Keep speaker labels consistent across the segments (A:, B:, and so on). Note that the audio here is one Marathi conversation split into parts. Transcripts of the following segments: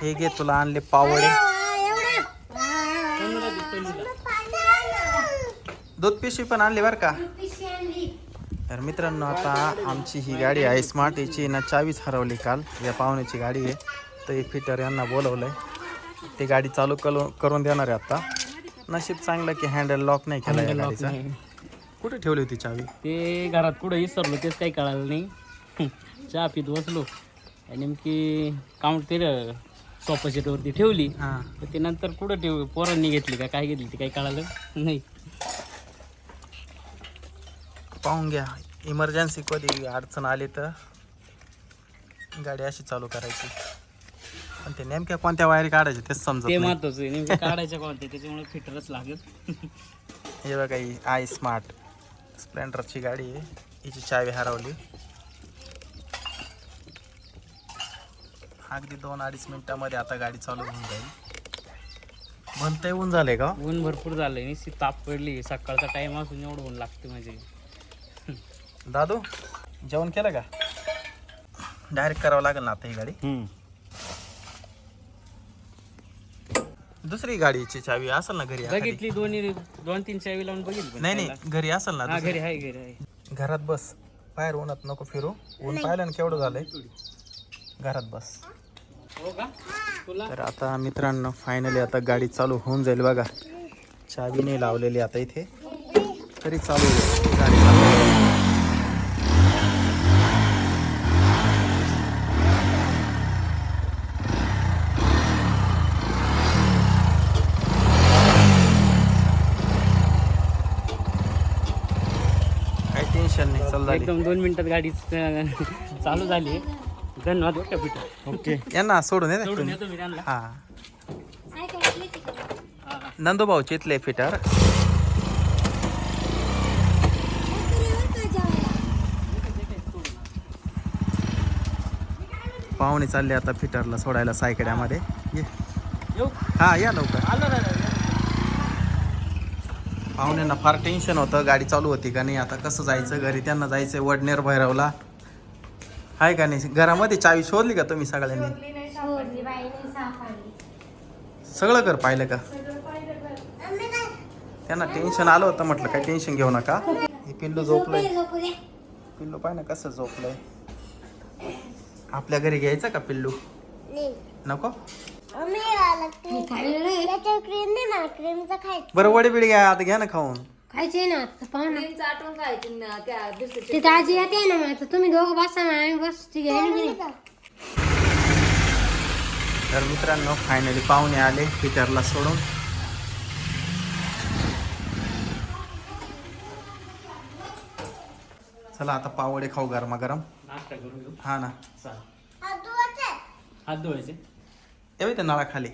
A: हे घे तुला आणले पावडे, दूध पिशवी पण आणली बरं का. तर मित्रांनो आता आमची ही गाडी आहे स्मार्ट, याची ना चावीच हरवली काल. या पाहुण्याची गाडी आहे, तर हे फिटर यांना बोलवलंय, ते गाडी चालू करून देणार आहे आता. नशीब चांगलं की हँडल लॉक नाही केला या गाडीचा. कुठे ठेवली होती चावी?
B: ते घरात कुठं विसरलो, तेच काही कळालं नाही. चहा पीत बसलो आणि नेमकी काउंट ते सोफा सेटवरती ठेवली.
A: हां,
B: तर ते नंतर कुठं पोरांनी घेतली का काय घेतली ते काही कळालं नाही.
A: पाहून घ्या, इमर्जन्सी कधी अडचण आली तर गाडी अशी चालू करायची. पण ते नेमक्या कोणत्या वायर काढायचे तेच समजत
B: ते
A: नाही.
B: महत्वाचं आहे, नेमकं काढायचं कोणते, त्याच्यामुळे फिटरच लागेल.
A: हे बघा, ही आय स्मार्ट स्प्लेंडरची गाडी आहे, हिची चावी हरवली. अगदी 2-2.5 मिनिटामध्ये आता गाडी चालू होऊन जाईल. म्हणता येऊन झालंय का?
B: ऊन भरपूर झालंय, निश्चित ताप पडली. सकाळचा टाइम असून एवढं ऊन लागते म्हणजे.
A: दादू जेवण केलं का? डायरेक्ट करावं लागेल ना आता ही गाडी. दुसरी गाडीची चावी असेल ना घरी?
B: बघितली, 2-3 चावी लावून बघितली.
A: नाही, घरी असेल ना.
B: घरी आहे.
A: घरात बस, बाहेर उन्हात नको फिरू. ऊन पाहिलं ना केवढं झालंय. घरात बस.
B: हो का तुला?
A: तर आता मित्रांनो फायनली आता गाडी चालू होऊन जाईल बघा. चावी नाही लावलेली आता इथे, तरी चालू आहे गाडी. काही टेन्शन नाही, चल झाली.
B: एकदम 2 मिनिटात गाडी चालू झाली. धन्यवाद बरं का पीटर.
A: ओके, यांना सोडून येते
B: सोडून
A: तुम्ही.
B: येतो मी त्यांना.
A: हा, नंदूभाऊ चितले फिटर. पाहुणे चालले आता फिटरला सोडायला सायकड्यामध्ये.
B: येऊ
A: हा, या लवकर.
B: आलो दादा.
A: पाहुण्यांना फार टेन्शन होतं, गाडी चालू होती का नाही, आता कसं जायचं घरी. त्यांना जायचं वडनेर भैरवला, आहे का नाही. घरामध्ये चावी शोधली का तुम्ही सगळ्यांनी? सगळं घर पाहिलं का? त्यांना टेन्शन आलं होतं, म्हटलं काय टेन्शन घेऊ नका. हे पिल्लू झोपलंय, पिल्लू पाय ना कसं झोपलंय. आपल्या घरी घ्यायचं का पिल्लू? नको. बरं वडे बिडे घ्या आता, घ्या ना खाऊन.
C: खायचे ना आता पाहुणा तिथं आजी येते ना. मग आता तुम्ही दोघं बसा ना, आम्ही बस. ठीक आहे.
A: तर मित्रांनो फायनली पाहुणे आले फिटरला सोडून. चला आता पावडे खाऊ गरमागरम.
B: नाश्ता करू घेऊ.
A: हा ना,
B: चालेल. हात धुवायचे
A: येऊ त्या नळाखाली.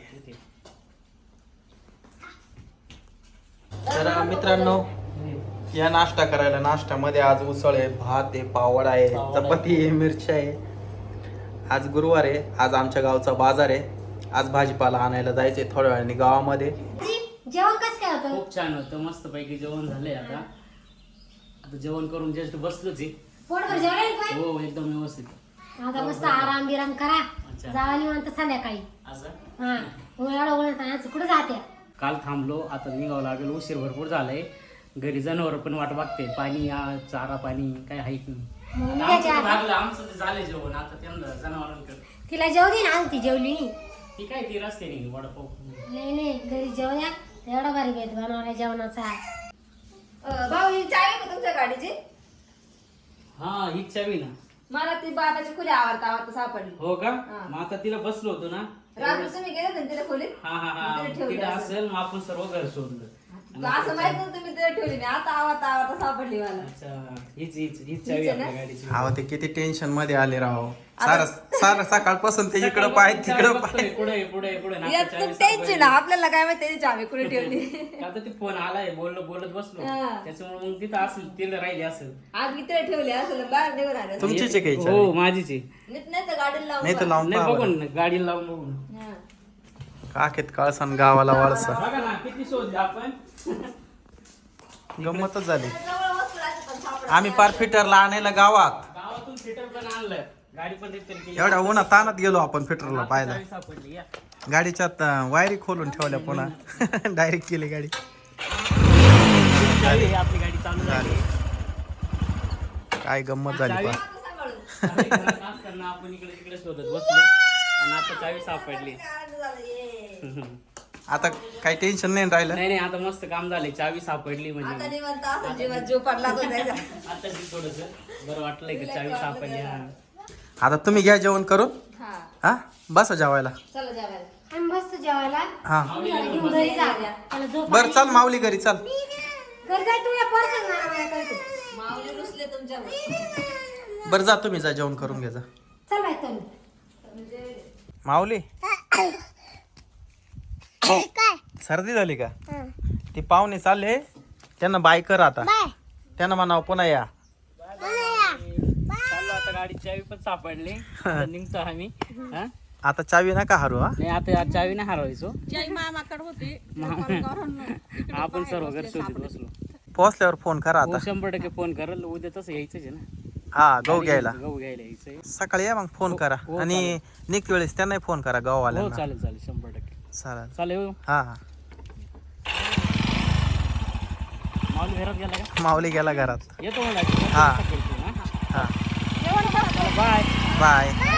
A: तर मित्रांनो या नाश्ता करायला, नाश्त्यामध्ये आज उसळ आहे, भात आहे, पावड आहे, चपाती आहे, मिरची आहे. आज गुरुवार आहे, आज आमच्या गावचा बाजार आहे. आज भाजीपाला आणायला जायचंय थोड्या वेळाने गावामध्ये.
C: जेवण कसं काय होतं?
B: खूप छान होतं, मस्त पैकी जेवण झालंय. आता जेवण करून जस्ट बसलोच आहे.
C: पोटभर जेवण काय?
B: हो एकदम व्यवस्थित.
C: आता मस्त आराम बिराम करा. जावा निवांत संध्याकाळी.
B: असं
C: हा, एवढं उन्हात कुठं जाते?
B: काल थांबलो, आता निघावं लागेल. उशीर भरपूर झालाय. घरी जनावर पण वाट बघते. पाणी चारा पाणी काय आहे की नाही. आमचं ते झालंय जेवण. आता त्यांना जनावरांकडे
C: तिला जेव दे ना. ती जेवली नाही.
B: ती काय ती रस्त्याने वडापाव.
C: नाही घरी जेव द्या. एवढा भारी भेद बनवला जेवणाचा.
D: भाऊ ही चावी का तुमच्या गाडीची?
B: हा हीच चावी ना.
D: मला ती बाबाची खुली आवडता सापडली.
B: हो का? मग आता तिला बसलो होतो ना.
D: रात्री तुम्ही गेले होते ना तिला खोलीत?
B: हा
D: तिथे ठेवली
B: तिला
D: असेल.
B: असेल. मग आपण सर्व घर शोधलं.
D: असं माहित नव्हतं तुम्ही तिथे ठेवली नाही. आता आवडता सापडली मला.
B: अच्छा, हीच चावी आपल्या गाडीची.
A: अहो ते किती टेन्शन मध्ये आले राव. सारं सकाळपासून ते इकडं पाय तिकडं पाय.
B: पुढे
D: याचं टेन्शन आपल्याला काय माहिती त्याची चावी कुठे ठेवली.
B: आता ते फोन आलाय, बोलत बसलो. त्याच्यामुळे मग तिथं असेल, तिला राहिली असेल.
D: आज इथे ठेवली असेल बाहेर निघून आले.
A: तुमचीच आहे काही
B: हो माझीच आहे.
D: नीट नाही तर गाडीला लावून
A: नाही तर लावून
B: नाही
A: पहा
B: बघून
A: बरं.
B: गाडीला लावून बघून.
D: हा.
A: काखेत कळसन गावाला वळसा.
B: बघा ना किती शोधले आपण.
A: गंमतच झाली.
D: जवळ वस्तू राहते पण सापडत
A: आम्ही पार फिटरला आणायला गावात.
B: गावातून फिटर पण आणलं. गाडी पण रिपेअर केली.
A: एवढ्या उन्हात तानात गेलो आपण पेट्रोलला पाहायला.
B: चावी सापडली या.
A: गाडीच्यात वायरी खोलून ठेवल्या पुन्हा डायरेक्ट केली गाडी.
B: चावी आहे, आपली गाडी चालू झाली.
A: काय गंमत झाली
B: चावी
A: पहा.
B: चावी घरात असताना आपण इकडे तिकडे शोधत बसलो आणि आता चावी सापडली.
A: आता काही टेन्शन नाही राहिलं.
B: नाही आता मस्त काम झालंय. चावी सापडली
D: आता
B: म्हणजे
D: निवांत असं जीवात जीव पडला तो त्याच्या.
B: आता थोडस बरं वाटलंय की चावी सापडली. हा.
A: आता तुम्ही घ्या जेवण करून.
D: हा
A: हा बसा जेवायला.
D: चला जेवायला.
C: आम्ही मस्त जेवायला
A: हा
C: घेऊन घरी जा त्याला झोप
A: बर चल माऊली घरी चल.
C: घरी जाय तू या पर्सन मला करतो
D: माऊली रुसले तुमच्यावर.
A: बर जा तुम्ही जा जेवण करून घ्या जा.
C: चल बाय तुम्ही
A: माऊली सर्दी झाली का? ती पाहुणे चालले त्यांना बाय कर आता. त्यांना म्हणावं पुन्हा या.
B: चाललो आता. गाडी चावी पण सापडली. आता निघतो आम्ही. हा?
A: आता चावी नका हरू. हा
B: नाही आता चावी नाही हरवायचो.
D: मामाकडे होती
B: आपण सर्व घर शोधत बसलो.
A: पोहोचल्यावर फोन करा
B: हो
A: आता.
B: 100% फोन करल. उद्या तसं यायचंच आहे ना.
A: हा गहू घ्यायला
B: गहू घ्यायला यायचंय.
A: सकाळी या मग फोन करा.
B: हो,
A: आणि निघते वेळेस त्यांनाही फोन करा
B: हो
A: गव्हावाल्यांना.
B: चालेल 100%.
A: चालेल.
B: चालेल.
A: हा हा
B: माऊली घरात गेला का?
A: माऊली गेला घरात.
B: येतो मला.
A: हा.
B: हा.
A: हा
B: बाय.
A: बाय.